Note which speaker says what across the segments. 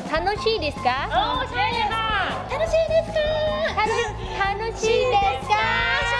Speaker 1: ทาโนชิเดสกา
Speaker 2: โอ้ใช่เลยค่ะ
Speaker 1: ทาโนชิเดสกาทาโนชิเดสกา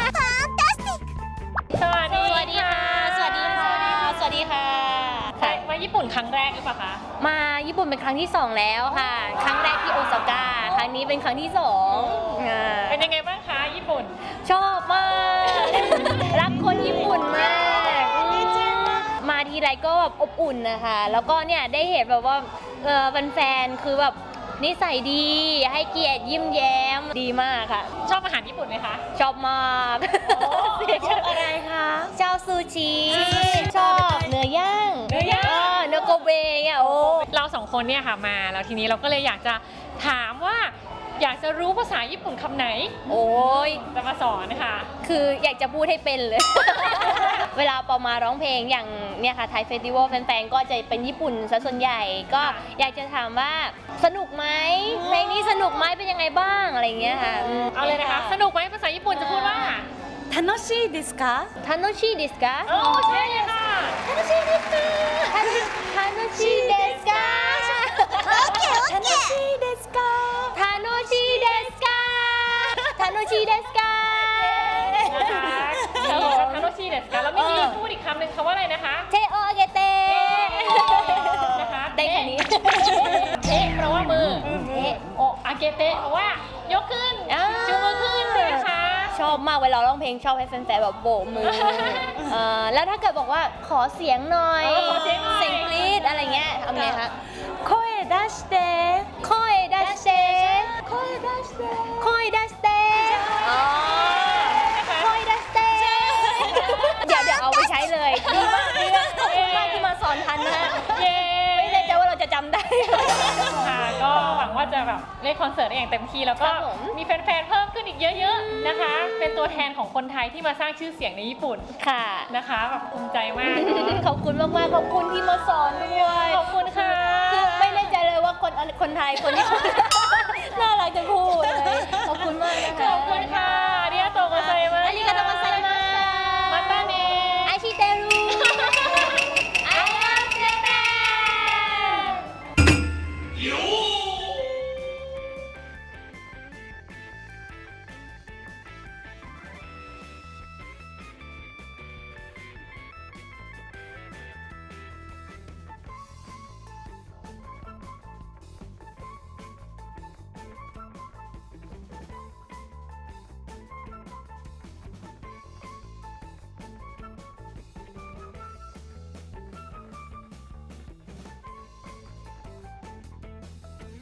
Speaker 2: สวัสดีค่ะ
Speaker 1: สวัสดีค่ะสวัสดีค่ะ
Speaker 2: มาญี่ปุ่นครั้งแรกหรือเปล่าคะ
Speaker 1: มาญี่ปุ่นเป็นครั้งที่2แล้วค่ะ ครั้งแรกที่โอซาก้าครั้งนี้เป็นครั้งที่2อ่า
Speaker 2: เป็นยังไงบ้างคะญี่ปุ่น
Speaker 1: ชอบมาก รักคนญี่ปุ่นมาก มาทีไรก็แบบอบอุ่นนะคะ แล้วก็เนี่ยได้เห็นแบบว่าแฟนๆคือแบบนิสัยดี ให้เกียรติยิ้มแย้มดีมากค่ะ
Speaker 2: ชอบอาหารญี่ปุ่นไหมคะ
Speaker 1: ชอบมาก
Speaker 2: ชอบอะไรคะ
Speaker 1: ชอบซูชิ ชอบเนื้อย่าง
Speaker 2: เนื้อย่าง
Speaker 1: เนื้อโกเบเนี่ยโอ้
Speaker 2: เราสองคนเนี่ยค่ะมาแล้วทีนี้เราก็เลยอยากจะถามว่าอยากจะรู้ภาษาญี่ปุ่นคำไหน
Speaker 1: โอ้ย
Speaker 2: จะมาสอนนะคะ
Speaker 1: คืออยากจะพูดให้เป็นเลย เวลาปอมาร้องเพลงอย่างเนี่ยค่ะไทยเฟสติวัลแฟนๆก็จะเป็นญี่ปุ่นซะส่วนใหญ่ ก็อยากจะถามว่าสนุกไหมเพลงนี้สนุกไหมเป็นยังไงบ้างอะไรอย่างเงี้ยค่ะ
Speaker 2: เอาเลยนะคะ สนุกไหมภาษาญี่ปุ่นจะพูดว่า
Speaker 3: 楽しいですか？
Speaker 1: ทาโนชิเดสกา
Speaker 2: โอ้ใช่เลยค่ะ
Speaker 1: ทาโนชิเดสกาทาโนชิเดสกา
Speaker 3: 楽しいですか？
Speaker 1: ทาโนชิเดสกาทาโนชิเดสกา
Speaker 2: นะคะนี่ก็ทาโนชิเดสกันแล้วไม่มีพูดอีกคำหนึ่งคำว่าอะไรนะคะ
Speaker 1: เทโอเกเต
Speaker 2: นะคะ
Speaker 1: ได้แค่นี้
Speaker 2: เทะแปลว่ามือ
Speaker 1: เทะ
Speaker 2: โออาเกเตะแปลว่ายกขึ้น
Speaker 1: อ่า
Speaker 2: ชูมือขึ้นใช่ไหมคะ
Speaker 1: ชอบมากเวลาร้องเพลงชอบให้แฟนๆแบบโบกมือ แล้วถ้าเกิดบอกว่าขอเสียงหน่อย
Speaker 2: ขอเสียงหน่อย
Speaker 1: เสียงกรี๊ดอะไรเงี้ยทำไงคะ
Speaker 3: 声出して
Speaker 1: คอยดัสเตคอยดัสเตคอยดัสเตอ๋อคอยดัสเตเดี๋ยวเอาไปใช้เลยดีมากดีมากขอบคุณมากที่มาสอนทันนะฮะ
Speaker 2: เย้
Speaker 1: ไม่แน่ใจว่าเราจะจำได้
Speaker 2: ค่ะก็หวังว่าจะแบบเล่นคอนเสิร์ตได้อย่างเต็มที่แล้วก็
Speaker 1: ครับผม
Speaker 2: มีแฟนๆเพิ่มขึ้นอีกเยอะๆนะคะ เป็นตัวแทนของคนไทยที่มาสร้างชื่อเสียงในญี่ปุ่น
Speaker 1: ค่ะ
Speaker 2: นะคะแบบภูมิใจมาก
Speaker 1: ขอบคุณมากๆขอบคุณที่มาสอนด้วย
Speaker 2: ขอบคุณค่ะ
Speaker 1: คือไม่แน่ใจเลยว่าคนไทยคนญี่ปุ่น